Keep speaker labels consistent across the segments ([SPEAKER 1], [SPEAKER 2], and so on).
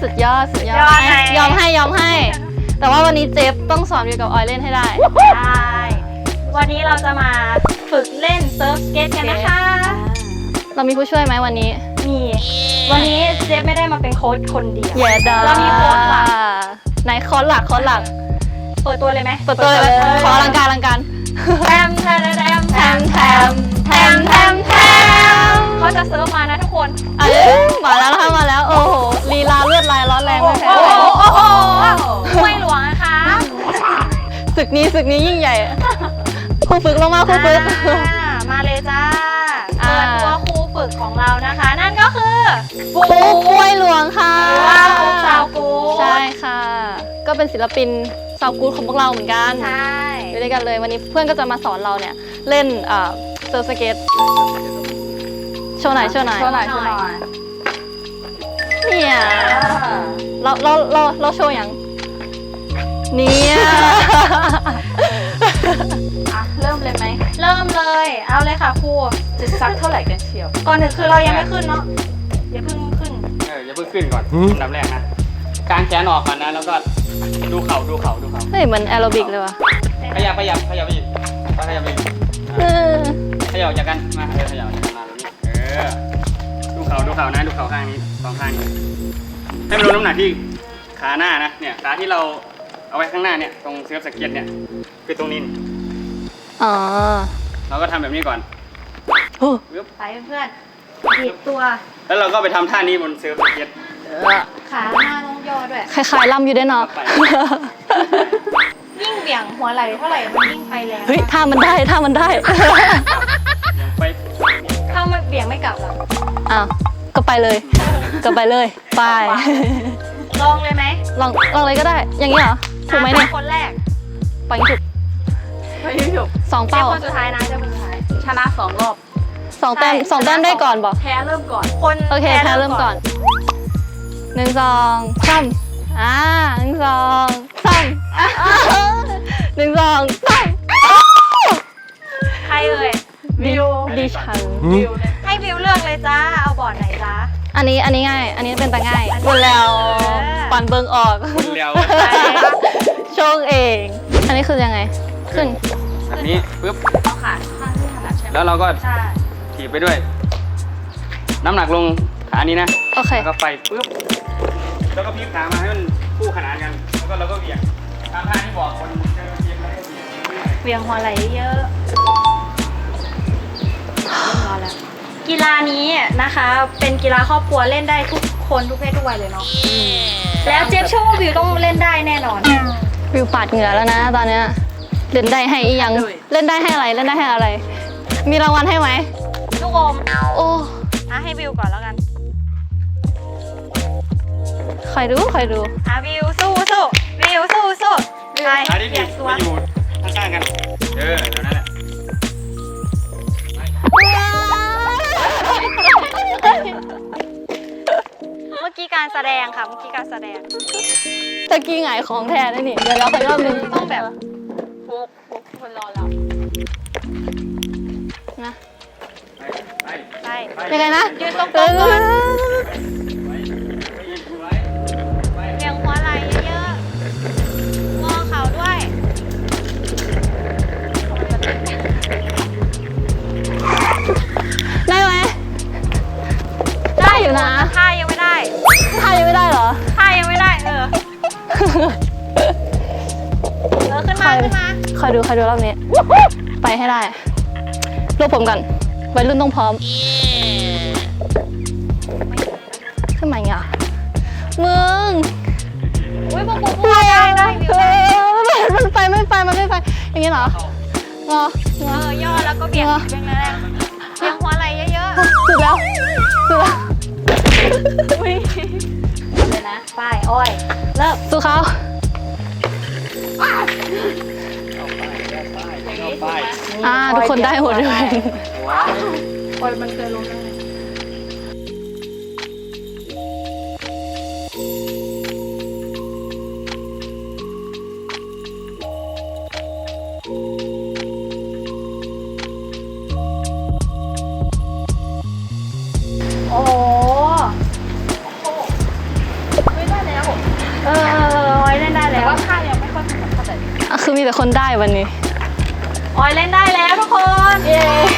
[SPEAKER 1] สุดยอดสุดยอด ยอมให้ แต่ว่าวันนี้เจฟต้องสอนวิวกับออยเล่นให้ได้
[SPEAKER 2] ใช่วันนี้เราจะมาฝึกเล่นเซิร์ฟสเก็ตกันนะคะ
[SPEAKER 1] เรามีผู้ช่วยไหมวันนี้
[SPEAKER 2] มีวันนี้เจฟไม่ได้มาเป็นโค้ชคนเดียว
[SPEAKER 1] เรา
[SPEAKER 2] มีโค้ชหลัก
[SPEAKER 1] ไหนโค้ชหลัก
[SPEAKER 2] เปิดตัวเลยไหม
[SPEAKER 1] เปิดตัวเลยขออลังการ
[SPEAKER 2] แทมเขาจะเซิร์ฟมานะทุกคน
[SPEAKER 1] มาแล้วโอ้โหลีลาเลือดลายร้อนแรงไม่แพ้
[SPEAKER 2] ห้วยหลวงนะคะ
[SPEAKER 1] ศึกนี้ยิ่งใหญ่ครูฝึกลงมาครูฝึก
[SPEAKER 2] มาเลยจ้าเปิดตัวครูฝึกของเรานะคะนั่นก็คือ
[SPEAKER 1] ครูห้วยหลวงค่ะ
[SPEAKER 2] สาวกู
[SPEAKER 1] ใช่ค่ะก็เป็นศิลปินสาวกูของพวกเราเหมือนกัน
[SPEAKER 2] ใช่
[SPEAKER 1] อยู่ด้วยกันเลยวันนี้เพื่อนก็จะมาสอนเราเนี่ยเล่นเซิร์ฟสเก็ตโชว์หน่อยเนี่ยเราโชว์อย่างเนี่ย
[SPEAKER 2] เริ่มเลยไหมเริ่มเลยเอาเลยค่ะครู
[SPEAKER 3] จะซักเท่าไหร่กันเชียว
[SPEAKER 2] ก่อนหนึ่งคือเรายังไม่ขึ้นเนาะอย่าเพิ่งขึ้น
[SPEAKER 4] ก่อนอันดับแรกนะกางแขนออกก่อนนะแล้วก็ดูเข่า
[SPEAKER 1] เฮ้ยมันแอโรบิกเลยว่ะ
[SPEAKER 4] ขยับไปอีกขยับจากกันมาขยับจากกันมาแบบนี้ดูเข่านะดูเข่าข้างนี้สองข้างนี้ให้มันลดน้ำหนักที่ขาหน้านะเนี่ยขาที่เราเอาไว้ข้างหน้าเนี่ยตรงเซิร์ฟสเก็ตเนี่ยคือตรงนี้เราก็ทำแบบนี้ก่อน
[SPEAKER 2] ไปเพื่อนบีบตัว
[SPEAKER 4] แล้วเราก็ไปทำท่านี้บนเซิร์ฟสเก็ต
[SPEAKER 2] ขาหน้าต้องย่อด้วย
[SPEAKER 1] คล้ายๆล่ำอยู่ได้เนาะ
[SPEAKER 2] ยิ่งเบี่ยงหัวไหล่เท่าไหร่มันยิ่งไปแรง
[SPEAKER 1] เฮ้ยท่ามันได้ถ้ามัน
[SPEAKER 2] เบี่ยงไม่กลับหรอ
[SPEAKER 1] อ้าวก็ไปเลยไป
[SPEAKER 2] ลองเลยไหม
[SPEAKER 1] ลองเลยก็ได้อย่างนี้เหรอถูกไหมเนี่ย
[SPEAKER 2] คนแรก
[SPEAKER 1] ไปถูก2 เป้า
[SPEAKER 2] คนสุดท้ายนะจะคนสุดท้าย
[SPEAKER 3] ชนะ2 รอบ
[SPEAKER 1] 2 แต้มได้ก่อนบอก
[SPEAKER 3] แพ้เริ่มก่อน
[SPEAKER 1] โอเคแพ้เริ่มก่อน1 2 3 1 2 3 1 2 3 1 2 3
[SPEAKER 2] ใครเอ่ย
[SPEAKER 1] ดิฉัน
[SPEAKER 2] ให้วิวเลือกเลยจ้าเอาบอร์ดไหนจ้า
[SPEAKER 1] อันนี้ง่ายอันนี้เป็นตาง่ายบนแล้วปั่นเบิ้งออกโชงเองอันนี้คือยังไงขึ้น
[SPEAKER 4] แบบนี้ปึ๊บ
[SPEAKER 3] เอาขาข้างที่ถนัดใช่ไหม
[SPEAKER 4] แล้วเราก็ถีบไปด้วยน้ำหนักลงขานี้นะ
[SPEAKER 1] โอเค
[SPEAKER 4] แล้วก็ไปปึ๊บแล้วก็พลิกขามาให้มันคู่ขนานกันแล้วก็เราก็เบี่ยงตามท่าที่บอกคน
[SPEAKER 2] เบี่ยงหัวไหล่เยอะกีฬานี้นะคะเป็นกีฬาครอบครัวเล่นได้ทุกคนทุกเพศทุกวัยเลยเนาะแล้วเจฟเชื่อว่าวิวต้องเล่นได้แน่นอน
[SPEAKER 1] วิวปาดเหงื่อแล้วนะตอนเนี้ยเล่นได้ให้อียังเล่นได้ให้อะไรมีรางวัลให้ไหม
[SPEAKER 2] ลูกอม
[SPEAKER 1] โอ้
[SPEAKER 2] ให้วิวก่อนแล้วกัน
[SPEAKER 1] คอยดู
[SPEAKER 2] วิวสู้ไป
[SPEAKER 4] เปลี่ยนตัวอยู่ข้างๆกันเดี๋ยวนั่นแหละ
[SPEAKER 2] เมื่อกี้การแสดงค่ะ
[SPEAKER 1] ตะกี้หงายของแทนนี่เดี๋ยวเราไปรอบนึง
[SPEAKER 2] ต้องแบบ
[SPEAKER 3] ฟุกคนรอเรา
[SPEAKER 1] นะ
[SPEAKER 2] ไป
[SPEAKER 1] ยังไงนะ
[SPEAKER 2] ยืนตรงๆก่อนเบี่ยงหัวไหล่เยอะๆงอเข่าด้วย
[SPEAKER 1] ได้ไหมได้อยู่นะ
[SPEAKER 2] ท่ายังไม่ได้
[SPEAKER 1] เหรอ
[SPEAKER 2] ท่ายังไม่ได้ขึ้นมา
[SPEAKER 1] คอยดูรอบนี้ไปให้ได้รวบผมก่อนวัยรุ่นต้องพร้อมขึ้นมาอย่างเงี้ยมึง
[SPEAKER 2] ปุ๊บได้
[SPEAKER 1] มันไปอย่างงี้เหร
[SPEAKER 2] อย่อแล้วก็เบี่ยงแรงเบี่ยงหัวไหล่เยอะ
[SPEAKER 1] ๆสุดแล้ว
[SPEAKER 2] เลยนะไปอ้อยเริ่ม
[SPEAKER 1] สู้เขาทุกคนได้หมดเลย
[SPEAKER 3] อ้อยมันเคยลงได้
[SPEAKER 2] โอ้โหไม่ได้ออยเล่นได้
[SPEAKER 3] แต่
[SPEAKER 2] แล้ว
[SPEAKER 3] ว่าข้ายังไม่ค่อยถนัดเท่าไหร่
[SPEAKER 1] อ่ะคือมีแต่คนได้วันนี้
[SPEAKER 2] ออยเล่นได้แล้วทุกคน
[SPEAKER 1] เย้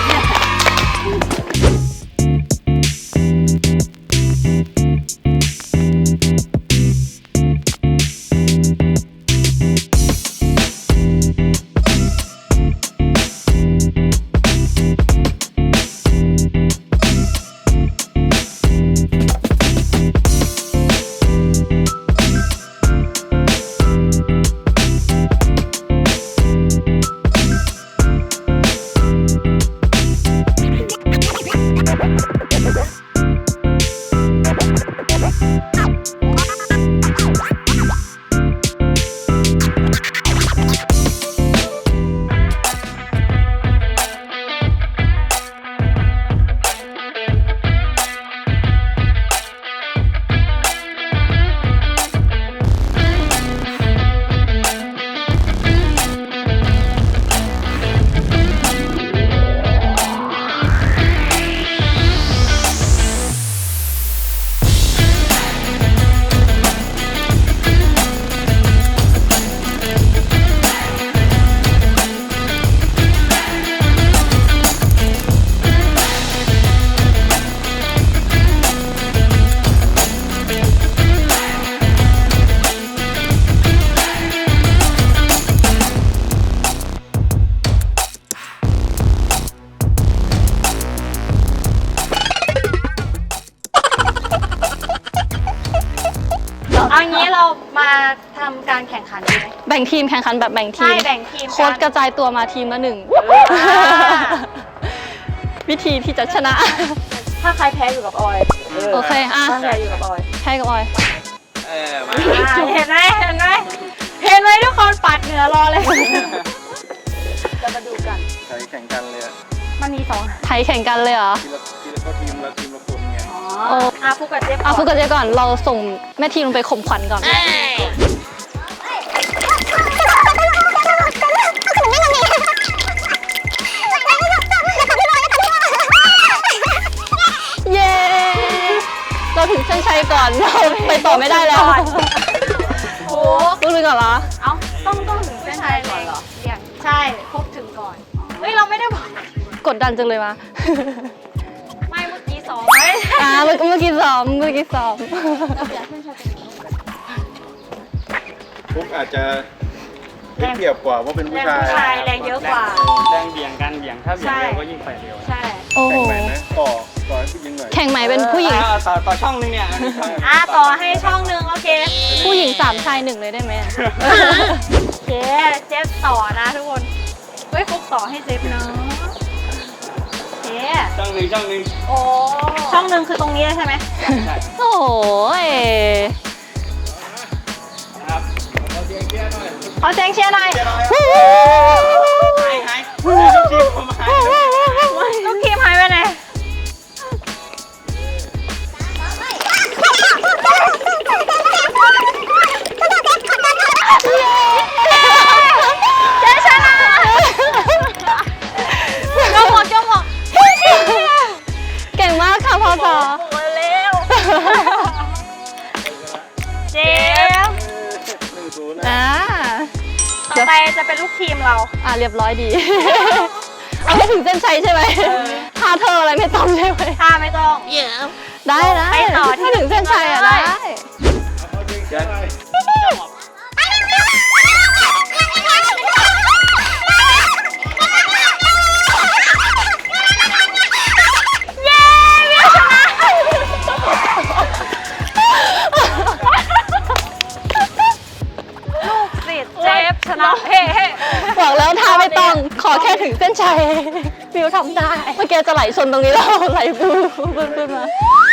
[SPEAKER 2] เอางี้เรามาทำการแข่งขันดีไหม
[SPEAKER 1] แบ่งทีมแข่งขันแบบแบ่งที
[SPEAKER 2] ใช่
[SPEAKER 1] ม
[SPEAKER 2] แบ่งทีม
[SPEAKER 1] โค้ชก
[SPEAKER 2] กัน
[SPEAKER 1] ระจายตัวมาทีมละหนึ่ง วิธีที่จะชนะ
[SPEAKER 2] ถ้าใครแพ้อยู่กับออย
[SPEAKER 1] โอเค อ่ะ
[SPEAKER 2] ถ้าใครอยู่กับออย
[SPEAKER 1] ใช่กับออย
[SPEAKER 4] มา
[SPEAKER 2] เห็นไหมเห็นไหมเห็นไหมทุกคนปัดเหนือรอเลย
[SPEAKER 3] จะมาดูกัน
[SPEAKER 5] ใช้แข่งกันเลยอะ
[SPEAKER 2] มันมีสอง
[SPEAKER 1] ไทยแข่งกันเลยเหรอ
[SPEAKER 5] ทีละคนไง
[SPEAKER 2] อ๋อ
[SPEAKER 1] โอ้
[SPEAKER 2] ฟุกกับเจ๊
[SPEAKER 1] เอาฟุกกับเจ๊ก่อน เราส่งแม่ทีมลงไปข่มขวัญก่อน เย้ เราถึงเส้นชัยก่อน เราไปต่อไม่ได้แล้ว
[SPEAKER 2] โอ้
[SPEAKER 1] ลูกนึงก่อนเหรอ
[SPEAKER 2] เอ้าต้องถึงเส้นชัยก่อนเหรอเรียกใช่ครบถึงก่อน เฮ้ยเราไม่ได้บอก
[SPEAKER 1] กดดันจังเลยวะ
[SPEAKER 2] ไม่เมื่อกี้สองไม่
[SPEAKER 1] เมื่อกี้ซ้อม
[SPEAKER 5] ฟุกอาจจะได้เปรียบกว่าเพราะเป็นผู้
[SPEAKER 2] แรง
[SPEAKER 5] ชาย
[SPEAKER 2] ผู้ชายแรงเยอะกว่า
[SPEAKER 4] แรงเบี่ยงกันเบี่ยงถ้าเบี่ยงเร็วก็ยิ่งไปเร็ว
[SPEAKER 2] ใช่
[SPEAKER 1] โอ้โห
[SPEAKER 5] แข่งใหม่ไหมต่อให้ผู้หญิงหน่อย
[SPEAKER 1] แข่งใหม่เป็นผู้หญิง
[SPEAKER 4] ต่อช่องนึงเนี่ย
[SPEAKER 2] ต่อให้ช่องหนึงโอเค
[SPEAKER 1] ผู้หญิง3ชาย1เลยได้ไหม
[SPEAKER 2] โอเคเจฟต่อนะทุกคนเฮ้ยฟุกต่อให้เจฟเนาะโอเค
[SPEAKER 4] ช่องหนึ่ง
[SPEAKER 2] โอ้ช่องหนึ่งคือตรงนี้เลยใช่ไหม
[SPEAKER 4] ใช่
[SPEAKER 1] โอ้ย
[SPEAKER 4] นะครับ
[SPEAKER 2] ขอเสียงเชียร์หน่อย
[SPEAKER 4] หายทีมผมหาย
[SPEAKER 2] ลูกทีมหายไปไหนเจ๊ชนะก็หมด
[SPEAKER 1] เก่งมากค่ะพ่อสอ
[SPEAKER 2] หมดเร็วเจฟ
[SPEAKER 5] 1-0นะ
[SPEAKER 1] อ่า
[SPEAKER 2] ต่อไปจะเป็นลูกทีมเรา
[SPEAKER 1] เรียบร้อยดี เอาให้ถึงเส้นชัยใช่ไหมท่าเธออะไรไม่ต้องใช่ไหม
[SPEAKER 2] ถ้าไม่ต้อง
[SPEAKER 1] ได้
[SPEAKER 2] ไปต่อที่
[SPEAKER 1] ถ้าถึงเส้นชัยอ่ะได้
[SPEAKER 2] เย้เวียชนะลูกศิษย์เจฟชนะเฮ้
[SPEAKER 1] บอกแล้วท่าไม่ต้อง ขอแค่ถึงเส้นชัยวิวทำได้ เมื่อกี้จะไหลชนตรงนี้แล้วไหลบูบึ้นมา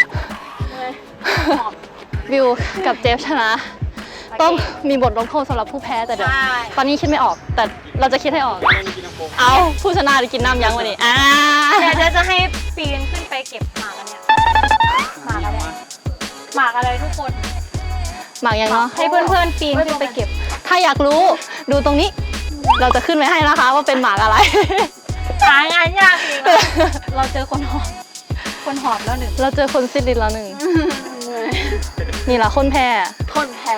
[SPEAKER 1] วิวกับเจฟชนะ ต้องมีบทลงโทษสำหรับผู้แพ้แต่เดี๋ยว ตอนนี้คิดไม่ออก แต่เราจะคิดให้ออก เอาผู้ชนะได้กินน้ำยั้งวันนี้
[SPEAKER 2] เดี๋ยวจะให้ปีนขึ้นไปเก็บหมากอันเนี้ยหมากอะไรหมากอะไรทุกคน
[SPEAKER 1] หมากยังเนาะ
[SPEAKER 2] ให้เพื่อนๆปีนขึ้นไปเก็บ
[SPEAKER 1] ถ้าอยากรู้ดูตรงนี้ เราจะขึ้นไว้ให้นะคะว่าเป็นหมากอะไร
[SPEAKER 2] หางานยากอีกเราเจอคนหอบแล้วหนึ่ง
[SPEAKER 1] เราเจอคนซิดลินแล้วหนึ่ง นี่แหละคนแพ้
[SPEAKER 3] คนแพ้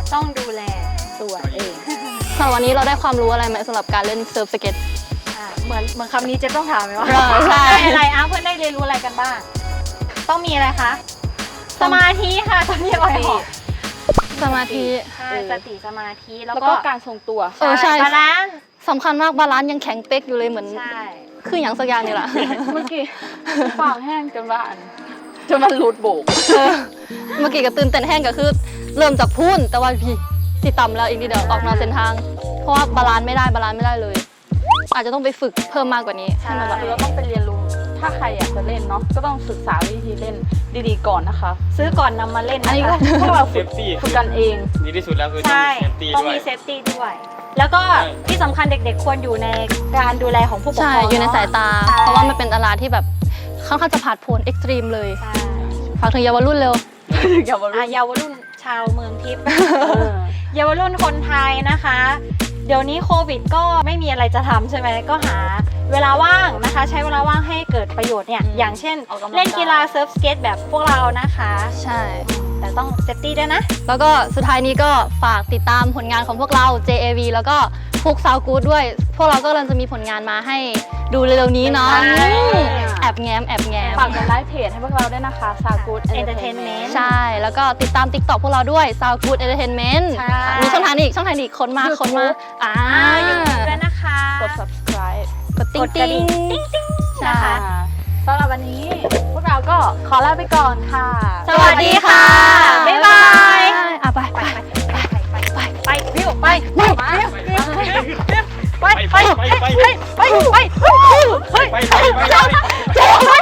[SPEAKER 2] ต้องดูแล
[SPEAKER 3] ตัวเอง
[SPEAKER 1] สำหรับวันนี้เราได้ความรู้อะไรไหมสำหรับการเล่นเซิร์ฟสเก็ต
[SPEAKER 2] เหมือนคำนี้เจ๊ต้องถามไหมว่า
[SPEAKER 1] ใช่
[SPEAKER 2] ได้อะไรเพื่อนได้เรียนรู้อะไรกันบ้าง ต้องมีอะไรคะ สมาธิค่ะตอนนี้อ่อยหอก
[SPEAKER 1] สมาธิ
[SPEAKER 2] ใช่สติสมาธิแล้ว
[SPEAKER 3] แล้ว
[SPEAKER 2] ก็
[SPEAKER 3] ก็การทรงตัว
[SPEAKER 1] ใช่
[SPEAKER 2] บาลานซ์
[SPEAKER 1] สำคัญมากบาลานซ์ยังแข็งเป๊กอยู่เลยเหมือน
[SPEAKER 2] ใช่
[SPEAKER 1] คืออย่างสักอย่างนี่แหละ
[SPEAKER 3] เมื่อกี้ปากแห้งจนว่าจนมันหลุดโบก
[SPEAKER 1] เมื่อกี้ก็ตื่นเต้นแห้งก็คือเริ่มจากพุ่นแต่ว่าพี่สิต่ำแล้วอีกนิดเดียวออกนอกเส้นทาง เพราะว่าบาลานซ์ไม่ได้เลย อาจจะต้องไปฝึกเพิ่มมากกว่านี้ให้มันแบบ
[SPEAKER 3] คือเราต้องไปเรียนรู้ ถ้าใครอยากจะเล่นเนาะ ก็ต้องศึกษาวิธีเล่นดีๆก่อนนะคะ
[SPEAKER 2] ซื้อก่อนนำมาเล่น
[SPEAKER 3] อันนี้
[SPEAKER 2] นะ
[SPEAKER 3] ก็
[SPEAKER 2] คะ
[SPEAKER 3] พวกเรา
[SPEAKER 4] เซฟตี้
[SPEAKER 3] ฝึกกันเอง
[SPEAKER 4] ดีที่สุดแล้วคือต้อง
[SPEAKER 2] ใช่
[SPEAKER 4] มีเซฟตี้
[SPEAKER 2] ต้อง
[SPEAKER 4] ด้วย
[SPEAKER 2] มีเซฟตี้ด้วย แล้วก็ที่สำคัญเด็กๆควรอยู่ในการดูแลของผู้ปกครอง
[SPEAKER 1] ใช่อยู่ในสายตา
[SPEAKER 2] ใช่
[SPEAKER 1] เพราะว่ามันเป็นตลาดที่แบบค่อนข้างจะผาดโผนเอ็กซ์ตรีมเลย
[SPEAKER 2] ใช่
[SPEAKER 1] ฝากถึงเยาวรุ่นเร็ว
[SPEAKER 3] อย่ามารู้
[SPEAKER 2] เยาวรุ่นชาวเมืองทิพย์ เยาวรุ่นคนไทยนะคะ เดี๋ยวนี้โควิดก็ไม่มีอะไรจะทำใช่ไหมก็หาเวลาว่างนะคะ ใช้เวลาว่างให้เกิดประโยชน์เนี่ยอย่างเช่น
[SPEAKER 3] ออกกำลังกาย
[SPEAKER 2] เล่นกีฬาเซิร์ฟสเก็ตแบบพวกเรานะคะ
[SPEAKER 1] ใช่
[SPEAKER 2] แต่ต้องเซฟตี้ด้วยนะ
[SPEAKER 1] แล้วก็สุดท้ายนี้ก็ฝากติดตามผลงานของพวกเรา JAV แล้วก็ฟุกซาวกูดด้วย พวกเราก็กำลังจะมีผลงานมาให้ดูเร็วๆนี้เนาะ
[SPEAKER 2] ใช่
[SPEAKER 1] แอบแง้ม
[SPEAKER 3] ฝากกดไลค์เพจให้พวกเราด้วยนะคะซากูด
[SPEAKER 2] Entertainment
[SPEAKER 1] ใช่ แล้วก็ติดตาม TikTok พวกเราด้วย Sound Good Entertainment
[SPEAKER 2] ใช่
[SPEAKER 1] มีช่องทางอีกคนมา
[SPEAKER 2] อยู่ด้วยนะคะ
[SPEAKER 3] กด subscribe
[SPEAKER 1] กดติ๊
[SPEAKER 2] ก
[SPEAKER 1] ง
[SPEAKER 2] ดกระ
[SPEAKER 1] ติ๊
[SPEAKER 2] ดิ่
[SPEAKER 1] ง
[SPEAKER 2] งติ๊งติ๊ง
[SPEAKER 1] ใช่
[SPEAKER 2] นะคะ
[SPEAKER 3] สำหรับวันนี้ พวกเราก็ขอลาไปก่อนค่ะ
[SPEAKER 2] สวัสดีค่ะ บ๊ายบาย
[SPEAKER 1] อ่ะไป
[SPEAKER 2] ไปไปวิวไป
[SPEAKER 1] ไป
[SPEAKER 2] ไป
[SPEAKER 4] ไปไปไปไปไป
[SPEAKER 2] ไป
[SPEAKER 4] ไปไปไป